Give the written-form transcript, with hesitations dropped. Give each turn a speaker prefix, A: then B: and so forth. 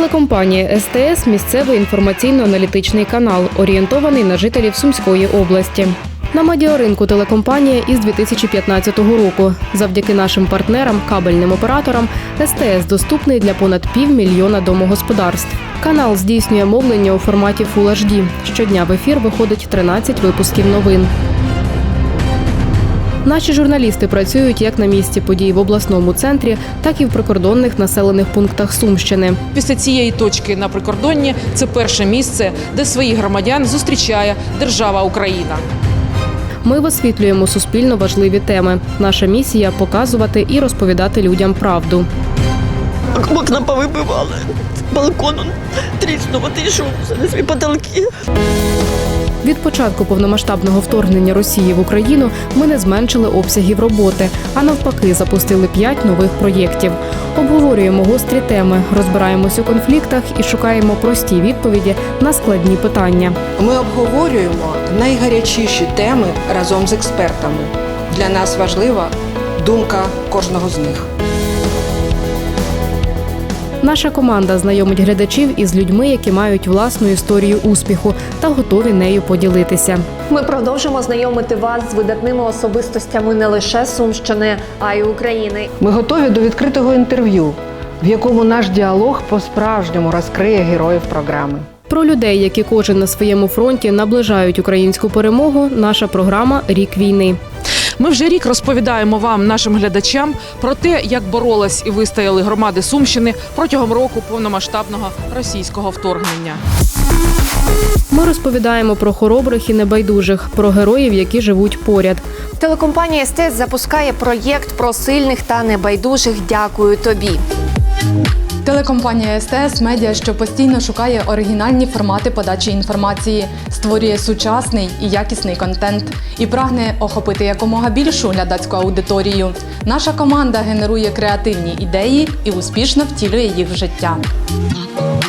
A: Телекомпанія СТС – місцевий інформаційно-аналітичний канал, орієнтований на жителів Сумської області. На медіаринку телекомпанія із 2015 року. Завдяки нашим партнерам, кабельним операторам, СТС доступний для понад 500 000 домогосподарств. Канал здійснює мовлення у форматі Full HD. Щодня в ефір виходить 13 випусків новин. Наші журналісти працюють як на місці подій в обласному центрі, так і в прикордонних населених пунктах Сумщини.
B: Після цієї точки на прикордонні – це перше місце, де своїх громадян зустрічає держава Україна.
A: Ми висвітлюємо суспільно важливі теми. Наша місія – показувати і розповідати людям правду.
C: Окна повибивали, балкон тріснув, отійшов на свої потолки.
A: Від початку повномасштабного вторгнення Росії в Україну ми не зменшили обсягів роботи, а навпаки запустили 5 нових проєктів. Обговорюємо гострі теми, розбираємось у конфліктах і шукаємо прості відповіді на складні питання.
D: Ми обговорюємо найгарячіші теми разом з експертами. Для нас важлива думка кожного з них.
A: Наша команда знайомить глядачів із людьми, які мають власну історію успіху та готові нею поділитися.
E: Ми продовжимо знайомити вас з видатними особистостями не лише Сумщини, а й України.
D: Ми готові до відкритого інтерв'ю, в якому наш діалог по-справжньому розкриє героїв програми.
A: Про людей, які кожен на своєму фронті наближають українську перемогу, наша програма «Рік війни».
B: Ми вже рік розповідаємо вам, нашим глядачам, про те, як боролись і вистояли громади Сумщини протягом року повномасштабного російського вторгнення.
A: Ми розповідаємо про хоробрих і небайдужих, про героїв, які живуть поряд.
E: Телекомпанія СТС запускає проєкт про сильних та небайдужих «Дякую тобі».
F: Телекомпанія СТС – медіа, що постійно шукає оригінальні формати подачі інформації, створює сучасний і якісний контент і прагне охопити якомога більшу глядацьку аудиторію. Наша команда генерує креативні ідеї і успішно втілює їх в життя.